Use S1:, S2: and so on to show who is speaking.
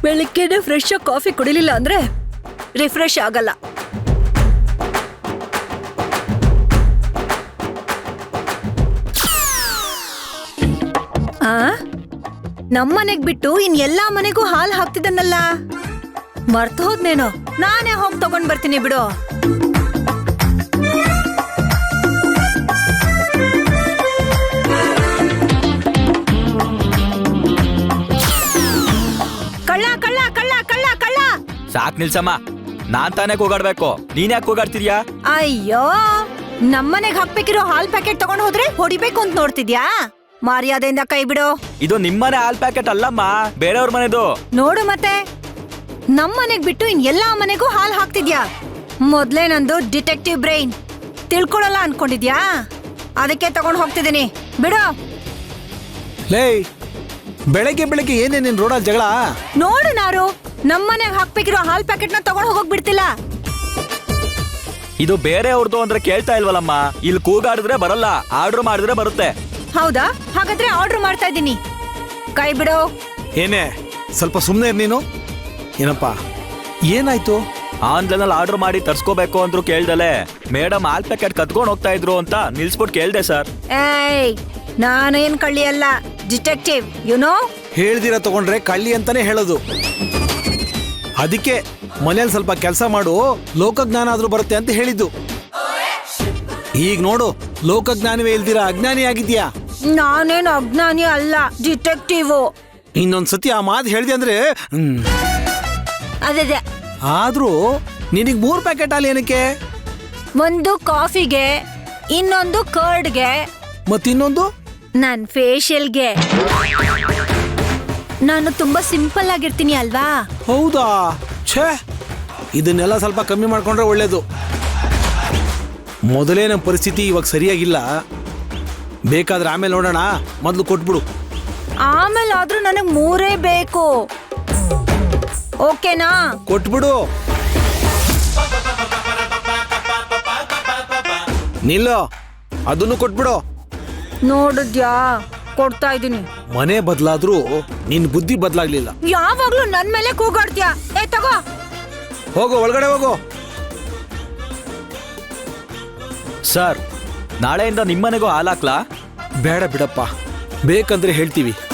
S1: ಬೆಳಿಗ್ಗೆನೆ ಫ್ರೆಶ್ ಆಗಿ ಕಾಫಿ ಕುಡಿಲಿಲ್ಲ ಅಂದ್ರೆ ರಿಫ್ರೆಶ್ ಆಗಲ್ಲ. ನಮ್ಮನೆಗ್ ಬಿಟ್ಟು ಇನ್ ಎಲ್ಲಾ ಮನೆಗೂ ಹಾಲ್ ಹಾಕ್ತಿದ್ದನ್ನಲ್ಲ, ಮರ್ತು ಹೋದ್ನೇನೋ. ನಾನೇ ಹೋಗಿ ತಗೊಂಡ್ ಬರ್ತೀನಿ ಬಿಡು. ಕಳ್ಳ ಕಳ್ಳ ಕಳ್ಳ ಕಳ್ಳ ಕಳ್ಳ.
S2: ಸಾಕ್ ನಿಲ್ಸಮ್ಮ, ನಾನ್ ತಾನೇ ಕೂಗಾಡ್ಬೇಕು, ನೀನ್ ಯಾಕೆ ಕೂಗಾಡ್ತಿದ್ಯಾ?
S1: ಅಯ್ಯೋ, ನಮ್ಮನೆಗ್ ಹಾಕ್ಬೇಕಿರೋ ಹಾಲ್ ಪ್ಯಾಕೆಟ್ ತಗೊಂಡ್ ಹೋದ್ರೆ ಹೊಡಿಬೇಕು ಅಂತ ನೋಡ್ತಿದ್ಯಾ? ಮರ್ಯಾದೆಯಿಂದ ಕೈ ಬಿಡು.
S2: ಇದು ನಿಮ್ಮನೆ ಹಾಲ್ ಪ್ಯಾಕೆಟ್ ಅಲ್ಲಮ್ಮ, ಬೇರೆಯವ್ರ ಮನೆದು.
S1: ನೋಡು ಮತ್ತೆ, ನಮ್ಮನೆಗ್ ಬಿಟ್ಟು ಇನ್ ಎಲ್ಲಾ ಮನೆಗೂ ಹಾಲ್ ಹಾಕ್ತಿದ್ಯಾ? ಮೊದ್ಲೇ ನಂದು ಡಿಟೆಕ್ಟಿವ್ ಬ್ರೈನ್, ತಿಳ್ಕೊಳಲ್ಲ ಅನ್ಕೊಂಡಿದ್ಯಾ? ಅದಕ್ಕೆ ತಗೊಂಡ್ ಹೋಗ್ತಿದ್ದೀನಿ, ಬಿಡು.
S3: ಲೇ, ಬೆಳಗ್ಗೆ ಬೆಳಗ್ಗೆ ಏನೇ ನಿನ್ ರೋಡಲ್ಲಿ ಜಗಳ?
S1: ನೋಡು ನಾರು, ನಮ್ಮನೆಗ್ ಹಾಕ್ಬೇಕಿರೋ ಹಾಲ್ ಪ್ಯಾಕೆಟ್ ನ ತಗೊಂಡ್ ಹೋಗೋಕ್ ಬಿಡ್ತಿಲ್ಲ.
S2: ಇದು ಬೇರೆಯವ್ರದ್ದು ಅಂದ್ರೆ ಕೇಳ್ತಾ ಇಲ್ವಲ್ಲಮ್ಮ. ಇಲ್ಲಿ ಕೂಗಾಡಿದ್ರೆ ಬರಲ್ಲ, ಆರ್ಡರ್ ಮಾಡಿದ್ರೆ ಬರುತ್ತೆ.
S1: ಹೌದಾ? ಹಾಗಾದ್ರೆ ಆರ್ಡರ್ ಮಾಡ್ತಾ ಇದ್ದೀನಿ, ಕೈ ಬಿಡು.
S3: ಏನೇ, ಸ್ವಲ್ಪ ಸುಮ್ಮನೆ ನೀನು. ಏನಪ್ಪ, ಏನಾಯ್ತು?
S2: ಆನ್ಲೈನ್ ಅಲ್ಲಿ ಆರ್ಡರ್ ಮಾಡಿ ತರ್ಸ್ಕೋಬೇಕು ಅಂದ್ರು ಕೇಳ್ದಲೆ ಮೇಡಮ್ ಹಾಲ್ ಪ್ಯಾಕೆಟ್ ಕತ್ಕೊಂಡ್ ಹೋಗ್ತಾ ಇದ್ರು ಅಂತ ನಿಲ್ಸ್ಬಿಟ್ಟು ಕೇಳ್ದೆ ಸರ್.
S1: ಏಯ್, ನಾನೇನ್ ಕಳ್ಳಿ ಅಲ್ಲ, ಡಿಟೆಕ್ಟಿವ್, ಯುನೋ.
S3: ಹೇಳ್ದಿರ ತಗೊಂಡ್ರೆ ಕಳ್ಳಿ ಅಂತಾನೆ ಹೇಳೋದು. ಅದಕ್ಕೆ ಮನೇಲಿ ಸ್ವಲ್ಪ ಕೆಲಸ ಮಾಡು, ಲೋಕಜ್ಞಾನ ಆದ್ರೂ ಬರುತ್ತೆ ಅಂತ ಹೇಳಿದ್ದು. ಈಗ ನೋಡು, ಲೋಕಜ್ಞಾನವೇ ಇಲ್ದಿರ ಅಜ್ಞಾನಿ ಆಗಿದ್ಯಾ.
S1: ನಾನೇನು ಅಜ್ಞಾನಿ ಅಲ್ಲ, ಡಿಟೆಕ್ಟಿವ್.
S3: ಇನ್ನೊಂದ್ಸತಿ ಆ ಮಾತು ಹೇಳ್ದೆ ಅಂದ್ರೆ
S1: ಅದೇ
S3: ಆದ್ರೂ ನಿನಗ್ 3 ಪ್ಯಾಕೆಟ್ ಹಾಲು ಏನಕ್ಕೆ?
S1: ಒಂದು ಕಾಫಿಗೆ, ಇನ್ನೊಂದು ಕರ್ಡ್ಗೆ,
S3: ಮತ್ತಿನ್ನೊಂದು
S1: ನನ್ ಫೇಶಿಯಲ್ಗೆ. ನಾನು ತುಂಬಾ ಸಿಂಪಲ್ ಆಗಿರ್ತೀನಿ ಅಲ್ವಾ?
S3: ಹೌದಾ? ಛೇ, ಇದನ್ನೆಲ್ಲ ಸ್ವಲ್ಪ ಕಮ್ಮಿ ಮಾಡ್ಕೊಂಡ್ರೆ ಒಳ್ಳೇದು. ಮೊದಲೇ ನಮ್ಮ ಪರಿಸ್ಥಿತಿ ಇವಾಗ ಸರಿಯಾಗಿಲ್ಲ. ಬೇಕಾದ್ರೆ ಆಮೇಲೆ ನೋಡೋಣ, ಮೊದಲು ಕೊಟ್ಬಿಡು.
S1: ಆಮೇಲೆ ಆದ್ರೂ ನನಗ್ 3 ಬೇಕು, ಓಕೆನಾ?
S3: ಕೊಟ್ಬಿಡು. ನಿಲ್ಲೋ, ಅದನ್ನು ಕೊಟ್ಬಿಡು.
S1: ನೋಡಿದ್ಯಾ, ಕೊಡ್ತಾ ಇದೀನಿ.
S3: ಮನೆ ಬದಲಾದ್ರೂ ನಿನ್ ಬುದ್ಧಿ ಬದಲಾಗ್ಲಿಲ್ಲ.
S1: ಯಾವಾಗ್ಲೂ ನನ್ ಮೇಲೆ ಕೂಗಾಡ್ತೀಯಾ? ಏ ತಗೋ,
S3: ಹೋಗು, ಒಳಗಡೆ ಹೋಗು.
S2: ಸರ್, ನಾಳೆಯಿಂದ ನಿಮ್ಮನೆಗೂ ಹಾಲ್ ಹಾಕ್ಲಾ?
S3: ಬೇಡ ಬಿಡಪ್ಪ, ಬೇಕಂದ್ರೆ ಹೇಳ್ತೀವಿ.